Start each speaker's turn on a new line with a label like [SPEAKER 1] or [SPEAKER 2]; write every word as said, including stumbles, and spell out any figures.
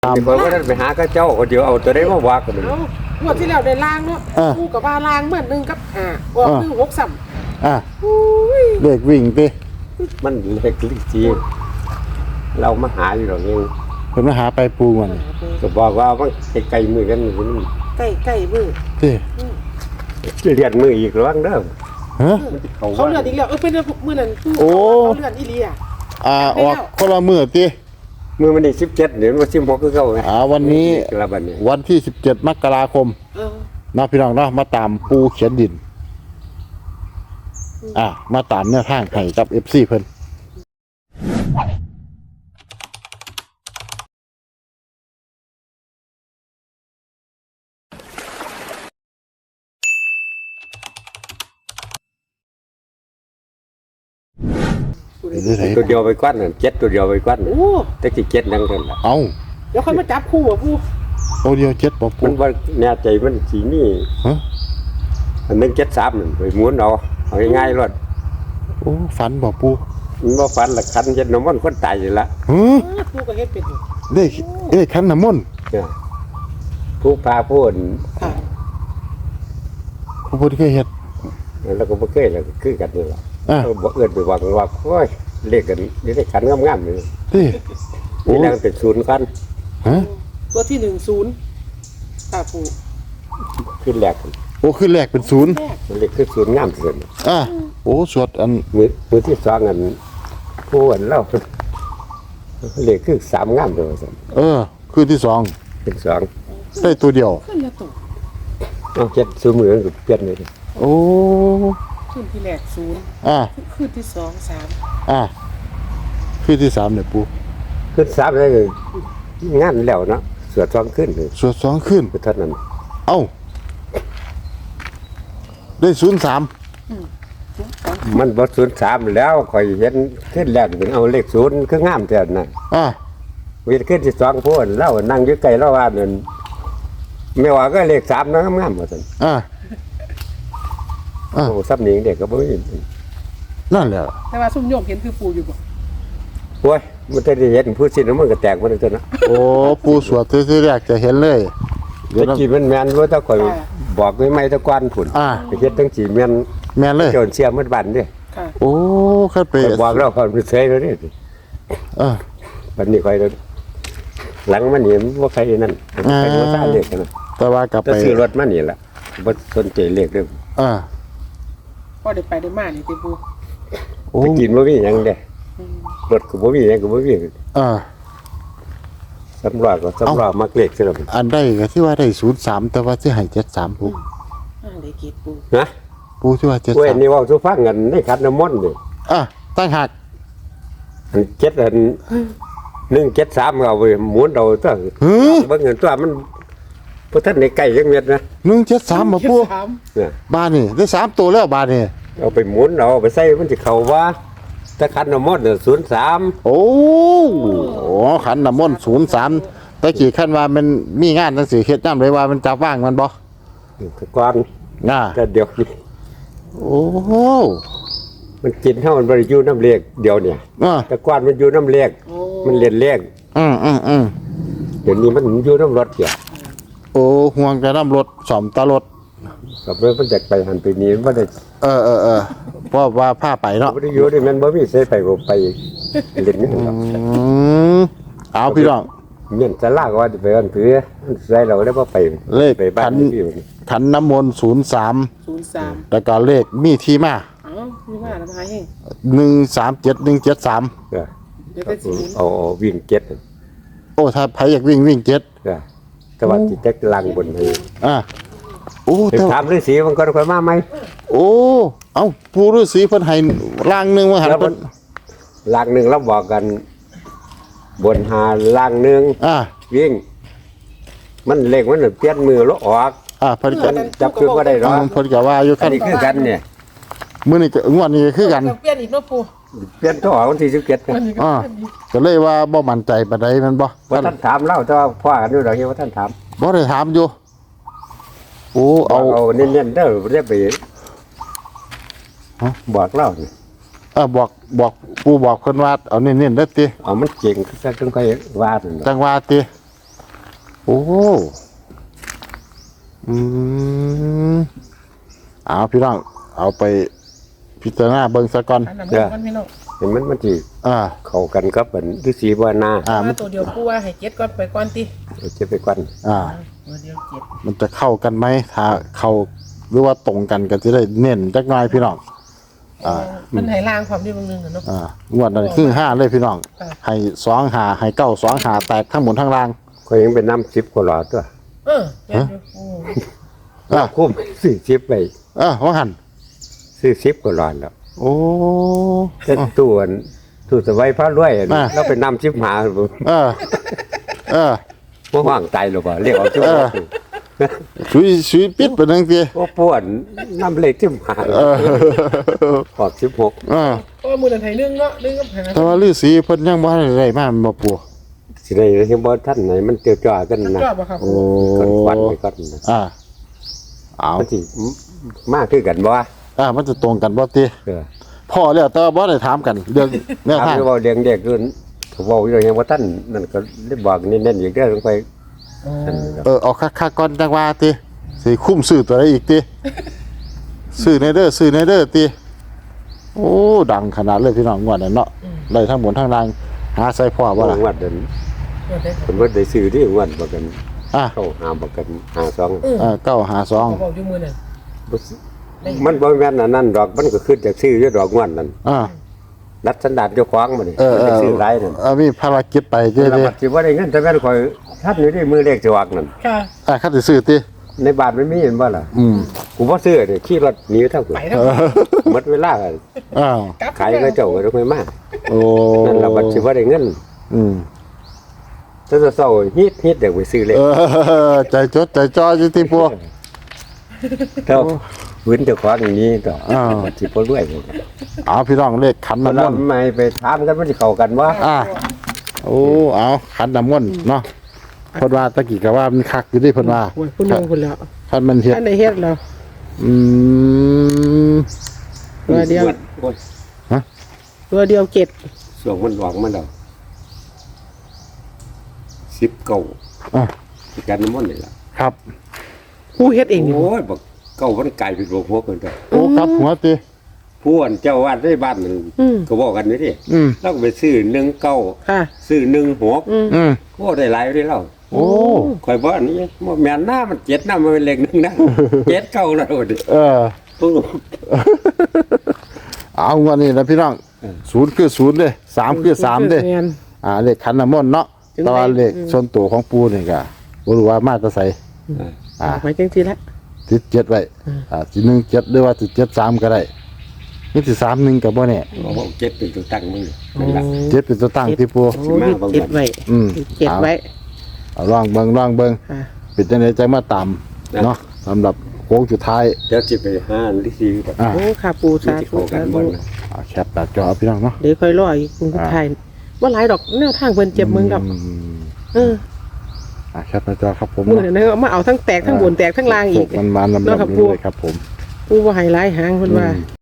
[SPEAKER 1] ตาม
[SPEAKER 2] ไปว่านั้นไปหาข้าเจ้าคนเดียวเอาตัวได้มาว่ากันเลย
[SPEAKER 3] เอางวดที่แล้วได้ล้างเนาะกูกับว่าล้างเหมือนหนึ่งกับอ่าออกหนึ่งหกสาม
[SPEAKER 1] อ่ะ
[SPEAKER 3] อุ้ย
[SPEAKER 1] เด็กวิ่งติ
[SPEAKER 2] มันเล็กลิจีเรามาหาอยู่หรอกยัง
[SPEAKER 1] เพิ่นมาหาไปปูมัน
[SPEAKER 2] ก็บอกว่ามันไกลๆมือกันมัน
[SPEAKER 3] ใกล้ใกล้มือ
[SPEAKER 1] ติ
[SPEAKER 2] เรียนมืออีกระวังเด้อ
[SPEAKER 1] ฮะ
[SPEAKER 3] เขาเลือดอีกแล้วเออเป็นมือนั่นกู
[SPEAKER 1] โอ้
[SPEAKER 3] เขาเลือดอีเลีย
[SPEAKER 1] อ่าออกคนละมื้อติ
[SPEAKER 2] มือมันนี่สิบเจ็ดเดี๋ยวมันสิบหกก็เข้าไง
[SPEAKER 1] อ่าวันนี้
[SPEAKER 2] กระบันเนี่ย
[SPEAKER 1] วันที่สิบเจ็ดมกราคม
[SPEAKER 3] เออ
[SPEAKER 1] นะพี่น้องเนาะมาตามปูเขียนดิน อ่ะมาตามแนวทางให้กับ เอฟ ซี เพิ่นเดี๋ยวไหน
[SPEAKER 2] ตัวเดียวไปกวัดนั่นเจ็ดตัวเดียวไปกวัด
[SPEAKER 3] โอ้
[SPEAKER 2] แต่กี่เจ็ดนั่งกันล่ะ
[SPEAKER 1] เอา
[SPEAKER 3] เดี๋ยวค่อยมาจับคู่อ่ะกู
[SPEAKER 1] โอเดียวเจ็ดบ่ปู
[SPEAKER 2] มันว่าแน่ใจมันสีนี่
[SPEAKER 1] ฮะ
[SPEAKER 2] อันนึงเจ็ดสามนั่นไปม้วนเอาเอาง่ายๆรถ
[SPEAKER 1] โอ้ฝันบ่ปู
[SPEAKER 2] มันว่าฟันละคันเจ็ดน้ำมันคนตายอยู่ละ
[SPEAKER 1] ฮึ
[SPEAKER 3] กูก็เฮ็ดเป็นอยู่
[SPEAKER 1] เด็กเอ้ยคันน้ำมนต์
[SPEAKER 2] เนี่ยผู้พาพูด
[SPEAKER 3] ค่ะ
[SPEAKER 1] ผู้พูดเคยเฮ็ด
[SPEAKER 2] แล้วก็บ่เคยแล้วก็คือกันนี่ล่ะ
[SPEAKER 1] อ่ะ
[SPEAKER 2] เออบ่เอิ้นไปว่ากันว่าโอ้ยเลขกันนี่ได้ขันงามๆเลย
[SPEAKER 1] ติโอ้
[SPEAKER 2] นี่แล้วเป็นศูนย์คัน
[SPEAKER 1] ฮะ
[SPEAKER 3] ตัวที่หนึ่งศูนย์ค่ะกู
[SPEAKER 2] ขึ้นแรก
[SPEAKER 1] โอ้ขึ้นแรกเป็นศูนย์
[SPEAKER 3] แรก
[SPEAKER 2] มันเลขคือศูนย์งามที่สุด
[SPEAKER 1] อ่ะโอ้สวดอัน
[SPEAKER 2] มือมือที่สองอันผู้อันเล่าเลขคือสามงามเด้อว่าซั่น
[SPEAKER 1] เออคืนที่สอง
[SPEAKER 2] เป็นสอง
[SPEAKER 1] ได้ตัวเดียว
[SPEAKER 3] ขึ้นละตัว
[SPEAKER 2] เอาเจ็ดซื้อมือก็เปลี่ยนเลย
[SPEAKER 1] โอ้
[SPEAKER 3] ขึ้นที่แรกศูนย์
[SPEAKER 1] อ่ะ
[SPEAKER 3] ขึ้นที่สองสาม
[SPEAKER 1] อ่ะคืนที่สามเนี่ยปู
[SPEAKER 2] ขึ้นสามได้เลยงานแล้วเนาะสวดสองขึ้นเลย
[SPEAKER 1] สวดสองคืน
[SPEAKER 2] คือเท่านั้น
[SPEAKER 1] เอ้า ได้ศูนย์สาม
[SPEAKER 2] มันบ่ศูนย์สามแล้วข่อยเห็นขึ้นแรกเป็นเอาเลขศูนย์คืองามแท้นั่น
[SPEAKER 1] อ่ะ
[SPEAKER 2] วิขึ้นที่สองพูดเล่านั่งอยู่ใกล้เล่าว่านั่นไม่ว่าก็เลขสามนะงามๆว่าซั่น
[SPEAKER 1] อ่ะอ่ะ
[SPEAKER 2] โอ้ซับหนิงเด็กก็บ่มี
[SPEAKER 1] นั่นแหละ
[SPEAKER 3] แต่ว่าซุ่มโยมเห็นคือปูอยู่บ่
[SPEAKER 2] โอ้ยมันจะได้เห็นผู้สิ้นมันก็แตกมันเลยตัวเนาะ
[SPEAKER 1] โอ้ปูสวดที่แรกจะเห็นเลยเดี๋ยว
[SPEAKER 2] ตะ
[SPEAKER 1] นะ
[SPEAKER 2] กี้มันแม่นว่าถ้าข่อยบอกไม่ไม่ตะกวนผุน
[SPEAKER 1] อ่ะ
[SPEAKER 2] ไปเฮ็ดทั้งจีแม่น
[SPEAKER 1] แม่นเลย
[SPEAKER 2] โจนเสียมันบันเด้
[SPEAKER 3] ค่ะ
[SPEAKER 1] โอ้ขึ้นไป
[SPEAKER 2] ข่อยบอกแล้วข่อยไปเสยแล้วนี่
[SPEAKER 1] อ่ะ
[SPEAKER 2] บัดนี้ข่อยหลังมันนี่บ่ใครนั่นใครบ่ทราบเลขกันนะ
[SPEAKER 1] แต่ว่ากลับ
[SPEAKER 2] แต่
[SPEAKER 1] ไป
[SPEAKER 2] ซื้อรถมานี่ล่ะบ่สนใจเลขเด้อ
[SPEAKER 1] อ่ะ
[SPEAKER 3] ก็ได้ไปได้มานี่ติปู
[SPEAKER 1] โอ้
[SPEAKER 2] ไปกินบ่มีหยังเด้
[SPEAKER 3] อืม
[SPEAKER 2] รถก็บ่มีหยังก็บ่มี
[SPEAKER 1] อ่ะ
[SPEAKER 2] สำรองก็สำรองมักเลขซะแล้ว
[SPEAKER 1] อันได้ก็ที่ว่าได้ศูนย์สามแต่ว่าที่ให้เจ็ดสามปู
[SPEAKER 3] อ่าได้เกตปู
[SPEAKER 2] นะ
[SPEAKER 1] ปูที่ว่าเจ็ด
[SPEAKER 2] เว้ย
[SPEAKER 1] สาม
[SPEAKER 2] นี่เว้าสู่ฟังกันในขันน้ำมนต์นี่
[SPEAKER 1] อ่ะตั้งหัก
[SPEAKER 2] อันเจ็ดอันหนึ่งเจ็ดสามเอาไปหมุนเอาตัว
[SPEAKER 1] หือ
[SPEAKER 2] เบิ่งเงินตัวมันพระท่านในไก่ยังเม็ดนะ
[SPEAKER 1] หนึ่งเจ็ดสามมาปู
[SPEAKER 3] สาม
[SPEAKER 2] เนี่ย
[SPEAKER 1] บานนี่ได้สามตัวแล้วบานนี่
[SPEAKER 2] เอาไปหมุนเอาไปใส่มันจะเข้าว่าถ้าขันน้ำมนต์เนี่ยศูนย์สาม
[SPEAKER 1] โอ้โหขันน้ำมนต์ศูนย์สามตะกี้ขั้นว่ามันมีงานหนังสือเฮ็ดย่ำเลยว่ามันจับว่างมันบ่
[SPEAKER 2] ก่อน
[SPEAKER 1] ง่า
[SPEAKER 2] แต่เดี๋ยวนี้
[SPEAKER 1] โอ้โห
[SPEAKER 2] มันกินเท่ามันบริยูน้ำเลียกเดียวเนี่ย
[SPEAKER 1] อ่ะ
[SPEAKER 2] แต่ก่อนมันอยู่น้ำเลียก
[SPEAKER 3] โอ้
[SPEAKER 2] มันเรียนเลียก
[SPEAKER 1] อืมอืมอืม
[SPEAKER 2] เดี๋ยวนี้มันอยู่น้ำรถเกี่ย
[SPEAKER 1] โอ้ห่วงจะน้ำรถสอมตารถ
[SPEAKER 2] กับเรื่องมันจะไปหันไปนี้มันได้
[SPEAKER 1] เออเออเออเพราะว่าผ้าไปเนาะ
[SPEAKER 2] บริยูนี่มันบ่มีเสไปบ่ไปเล่นนี่หรอก
[SPEAKER 1] อืมเอาพี่น้อง
[SPEAKER 2] เมียนสลากว่าจะไปอันเถือมันใส่เราได้บ่ไป
[SPEAKER 1] เลข
[SPEAKER 2] ไปบ้า
[SPEAKER 1] ขั
[SPEAKER 2] น
[SPEAKER 1] น
[SPEAKER 2] พี่
[SPEAKER 1] ขันน้ำมนต์ศูนย์สาม
[SPEAKER 3] ศูนย์สาม
[SPEAKER 1] แล้วก็เลขมีที่มา
[SPEAKER 3] เอ้ามีมาแล้วมาให้
[SPEAKER 1] หนึ่งสามเจ็ดหนึ่งเจ็ดสาม
[SPEAKER 2] เออ
[SPEAKER 3] เดี๋ยวได้ศูนย์
[SPEAKER 2] เอาเอาวิ่งเก็ต
[SPEAKER 1] โอ้ถ้าใครอยากวิ่งวิ่งเจ็ด
[SPEAKER 2] เออแต่ว่าจิตจักลังบนให้
[SPEAKER 1] อ่ะโอ้
[SPEAKER 2] ไป
[SPEAKER 1] แต่
[SPEAKER 2] ถามฤาษีมันก็ค่อยมาไหม
[SPEAKER 1] โอ้เอ้าปูฤาษีเพิ่นให้ล่างหนึงมาหัน
[SPEAKER 2] แล้วมั
[SPEAKER 1] เพิ่
[SPEAKER 2] น
[SPEAKER 1] น
[SPEAKER 2] ลังหนึ่งเราบอกกัน บนหาลังหนึ่ง
[SPEAKER 1] อ่ะ
[SPEAKER 2] วิ่ง มันเล็กมันน่ะเปลี่ยนมือแล้วออก
[SPEAKER 1] อ่ะเพิ่นก็
[SPEAKER 2] จับคือบ่ได้หร
[SPEAKER 1] อ่า
[SPEAKER 2] อก
[SPEAKER 1] เพิ่นก็ว่าอยู่
[SPEAKER 2] อั
[SPEAKER 1] คั
[SPEAKER 2] น
[SPEAKER 1] น
[SPEAKER 2] นี้คือกันเนี่ย
[SPEAKER 1] มื้อนี้ก็งวดนี้ก็คือกัน
[SPEAKER 3] เปลี่ยนอีกเนาะปู
[SPEAKER 2] เปลี่ยนตัวออกวันที่สิบเจ็ด
[SPEAKER 3] อันนี้ก็
[SPEAKER 1] อ่า
[SPEAKER 3] เปลี่ยนอีก
[SPEAKER 1] ก็เลยว่าบ่มั่นใจปานใดแมันบ่
[SPEAKER 2] ว่าท่านถามเล่าแต่ว่าพ่อกันอยู่ดอกนี้ว่าท่านถาม
[SPEAKER 1] บ่ได้ถามอยู่โอ้
[SPEAKER 2] บอ
[SPEAKER 1] เอา
[SPEAKER 2] กเอาเน้นๆเด้อเรียกไป
[SPEAKER 1] ฮะ
[SPEAKER 2] บอกเล่านี่
[SPEAKER 1] เออบอกบอกปู่บอกเพิ่นว่าเอาเน้นๆเด้อติ
[SPEAKER 2] เอามันเก่งคือจังค่อยว่านั่นน่ะ
[SPEAKER 1] จังว่าติ
[SPEAKER 2] เ
[SPEAKER 1] โอ้อืมเอาพี่น้องเอาไปพิจารณาเบิ่งซะก่อน
[SPEAKER 3] อันนั้นมันพี่น้อง
[SPEAKER 2] เห็นมันมันสิ
[SPEAKER 1] อ่า
[SPEAKER 2] เข้ากันกับเหมือนฤาษีบ่นา
[SPEAKER 1] อ่า
[SPEAKER 3] ว่าตัวเดียวกูว่าให้เจ็ดก่อนไปก่อนติ
[SPEAKER 2] เอาจะไปก่อน
[SPEAKER 1] อ่า
[SPEAKER 3] ตัวเดียวเจ็ด
[SPEAKER 1] มันจะเข้ากันไหมถ้าเข้าหรือว่าตรงกันก็จะได้เน้นจักหน่อยพี่น้อง อ่า
[SPEAKER 3] มันให้ล่างความที่บางนึงอะเนาะ
[SPEAKER 1] อ่างวดนั้นคือห้าเลยพี่น้อง
[SPEAKER 3] ค่ะ
[SPEAKER 1] ให้สองหาให้เก้าสองหาแตกทั้งหมดทั้งล่าง
[SPEAKER 2] ก็ยังเป็นน้ำสิบกว่าหลอดตัว
[SPEAKER 3] เออแม่นอยู่โอ้
[SPEAKER 1] อ่า
[SPEAKER 2] คุ้มซื้อสิบไป
[SPEAKER 1] เออว่าหัน
[SPEAKER 2] ซื้อสิบกว่าหลอดแล้ว
[SPEAKER 1] โอ้
[SPEAKER 2] แต่ตัวอันตู้สบายพระรวยอัน
[SPEAKER 1] อ่า
[SPEAKER 2] เราเป็นน้ำสิบหา
[SPEAKER 1] เออ เออ
[SPEAKER 2] บ่ว่างใจหรอกบ่เรียกเอาสิบ
[SPEAKER 1] เออ ชุยชุยปิดไปนั่งที
[SPEAKER 2] โอ้ป่วนน้ำเล็กสิบหา
[SPEAKER 1] เออ
[SPEAKER 2] ขอบสิบหก
[SPEAKER 1] เออ
[SPEAKER 3] โอ้มือนั้นให้หนึงเนาะหนึงกับให้นะ
[SPEAKER 1] แต่ว่าฤาษีเพิ่นยังบ่ทันได้มาแม่นบ่ปู่
[SPEAKER 2] สิได้เห็นบ่ท่านไหนมันเจียวจ้ากันนะ
[SPEAKER 3] ชอบบ่ครับ
[SPEAKER 1] โอ้
[SPEAKER 2] ก่อนควันไปก่อนนะ
[SPEAKER 1] อ่าเอา
[SPEAKER 2] มันสิมากคือกันบ่วะ
[SPEAKER 1] อ่ามันจะตรงกันบ่ติ
[SPEAKER 2] เออ
[SPEAKER 1] พ่อแล้วแต่ว่าบ่ได้ถามกันเรื่องแนว
[SPEAKER 2] ถาม
[SPEAKER 1] ทาง
[SPEAKER 2] อยู่ว่าเลี้ยงเด็กด้วยเขาบอกอยู่ยังว่าท่านนั่นก็ได้บอกเน้นๆอีกเด้อลงไปนั่นครับ
[SPEAKER 1] เออเอาคักๆก่อนจังว่าติสิคุ้มซื้อตัวใดอีกติซื้อในเด้อซื้อในเด้อติโอ้ดังขนาดเลยพี่น้องงวดนั้นเนาะได้ทั้งบนทั้งล่างหาใส่พ่อบ่
[SPEAKER 2] ว่า
[SPEAKER 1] ล่ะ
[SPEAKER 2] วัดเดิน
[SPEAKER 3] เออได้ครับ
[SPEAKER 2] ผมว่าได้ซื้อที่วัดบอกกัน
[SPEAKER 1] อ่ะ
[SPEAKER 2] เข้าหาบอกกันหาสอง
[SPEAKER 3] เออ
[SPEAKER 1] เออเก้าหาสอง
[SPEAKER 3] เขาบอกอยู่มือนั้น
[SPEAKER 2] มันบ่แม่นอันนั้นดอกมันก็ขึ้นจากซื้ออยู่ดอกงวนนั่น
[SPEAKER 1] อ่า
[SPEAKER 2] รัดสันดานเจ้าของมันนี่
[SPEAKER 1] เออเอ
[SPEAKER 2] ได้
[SPEAKER 1] อ
[SPEAKER 2] ซื้อหลายนั่น
[SPEAKER 1] เออมีภารกิจไปเจ้
[SPEAKER 2] แล้ว
[SPEAKER 1] ดิ
[SPEAKER 2] บัดสิบ่ได้เงินแต่แม่นข่อยท่านอยู่ที่มือเลขสิวักนั่น
[SPEAKER 3] ค่ะ
[SPEAKER 1] อ่ะคัดสิซื้อติ
[SPEAKER 2] ในบ้านมันมีเห็นบ่ล่ะ
[SPEAKER 1] อืม
[SPEAKER 2] กูบ่ซื้อเด้ขี่รถหนีทั้งคน
[SPEAKER 3] ไปทั้ง
[SPEAKER 2] หมดเวลาก็
[SPEAKER 1] อ้าว
[SPEAKER 3] กลับ
[SPEAKER 2] ขายก็เจ้าก็ต้องไปมา
[SPEAKER 1] โอ้
[SPEAKER 2] นั่นล่ะบัดสิบ่ได้เงิน
[SPEAKER 1] อืม
[SPEAKER 2] ถ้าจะเศร้าฮิตฮิตเดี๋ยวไปซื้อเลข
[SPEAKER 1] เออใจจดใจจ่ออยู่ที่พวก
[SPEAKER 2] เท่าพื้นเจ้าของอย่างนี้ต่อ
[SPEAKER 1] อ้าว
[SPEAKER 2] บัดสิบ่รวยเลย
[SPEAKER 1] เอาพี่น้องเลขขัน
[SPEAKER 2] มัน
[SPEAKER 1] น้ำมนต์
[SPEAKER 2] ทำไมไปถามกันมันสิเข้ากันวะ
[SPEAKER 1] อ่าโอ้เอาขันน้ำมนต์เนาะเพิ่นว่าตะกี้ก็ว่ามันคักอยู่ที่เพิ่นว่า
[SPEAKER 3] โอ้ยคุณนึงคุณแล้ว
[SPEAKER 1] คันมันเฮ็ด
[SPEAKER 3] อันไหนเฮ็ดแล้ว
[SPEAKER 1] อืม
[SPEAKER 3] ตัวเดียว
[SPEAKER 2] โอ้ย
[SPEAKER 3] ตัวเดียวเจ็ด
[SPEAKER 2] ส่วงมันหวังมันแล้วสิบเก้า
[SPEAKER 1] อ่ะ
[SPEAKER 2] ที่กันน้ำมันนี่ล่ะ
[SPEAKER 1] ครับ
[SPEAKER 3] ผู้เฮ็ดเองนี่
[SPEAKER 2] โอ้ยบอกเก้ามันไกลเป็นหัวหัวเกินไป
[SPEAKER 1] โอ้ครับหัวติ
[SPEAKER 2] ผู้อันเจ้าวาดได้บ้านนั่น
[SPEAKER 3] อืม
[SPEAKER 2] ก็บอกกันนี่ดิ
[SPEAKER 1] อืม
[SPEAKER 2] เราก็ไปซื้อหนึ่งเก้า
[SPEAKER 3] ค่ะ
[SPEAKER 2] ซื้อหนึ่งหก
[SPEAKER 3] อืม
[SPEAKER 1] อืม
[SPEAKER 2] โอ้ได้หลายเลยเรา
[SPEAKER 1] โอ้
[SPEAKER 2] คอยบอกอันนี้ว่าแม่นหน้ามันเจ็ดหน้ามันเป็นเลขหนึ่งนะ เจ็ดเก้าแล้วดิ
[SPEAKER 1] เออ
[SPEAKER 2] ปุ๊บ
[SPEAKER 1] เอางวดนี้นะพี่น้อง
[SPEAKER 2] เออ
[SPEAKER 1] ศูนย์คือศูนย์เด้สามคือสามเด้
[SPEAKER 3] แม่น
[SPEAKER 1] อ่าเลขขันน้ำมนต์เนาะ
[SPEAKER 3] ถึง
[SPEAKER 1] แต่ว่า
[SPEAKER 3] ได้
[SPEAKER 1] เลขส่วนตัวของปูนี่ก็บ่รู้ว่ามาแตะไสอ่า
[SPEAKER 3] ไว้จังซี่ละ
[SPEAKER 1] ติดเจ็ดไว้
[SPEAKER 3] อืม
[SPEAKER 1] อ่าสิหนึ่งเจ็ดหรือว่าสิเจ็ดสามก็ได้นี่สิสามหนึ่งก็บ่แน่
[SPEAKER 2] โอ้เจ็ดเป็นตัวตั้งมึงนั่นแหละ
[SPEAKER 1] เจ็ดเป็นตัวตั้งที่ปู
[SPEAKER 3] โอ้ยเจ็ดไว้
[SPEAKER 1] อืม
[SPEAKER 3] เจ็ดไว้
[SPEAKER 1] เอาลองเบิ่งลองเบิ่ง
[SPEAKER 3] ค่ะ
[SPEAKER 1] ปิดจังได๋ใจมาตามเนาะสำหรับโค้งสุดท้าย
[SPEAKER 2] เดี๋ยวจิไปห้าลิซีแบบ
[SPEAKER 1] อ่า
[SPEAKER 3] โอ้ค่ะปู
[SPEAKER 2] ที่
[SPEAKER 3] สา
[SPEAKER 2] ที่
[SPEAKER 3] ธุ
[SPEAKER 2] เข้ากั
[SPEAKER 3] สาน
[SPEAKER 2] บ่
[SPEAKER 3] ธุ
[SPEAKER 2] นะ
[SPEAKER 1] อ่าแคปหน้าจอเอาพี่น้องเนาะ
[SPEAKER 3] เดี๋ยวค่อยรออีกคุณผู้ชายว่าหลายดอกแนวทางเพิ่นเจ็บมึงดอก
[SPEAKER 1] อืม
[SPEAKER 3] เออ
[SPEAKER 1] อ่าแคปหน้าจอครับผม
[SPEAKER 3] มือนั้นเอามาเอาทั้งแตกทั้งบนแตกทั้งล่างอีก
[SPEAKER 1] มันมาลำ
[SPEAKER 3] เนาะครับ
[SPEAKER 1] ๆ
[SPEAKER 3] ปู
[SPEAKER 1] เลยครับผม
[SPEAKER 3] ปูบ่ให้หลายหางเพิ่นว่า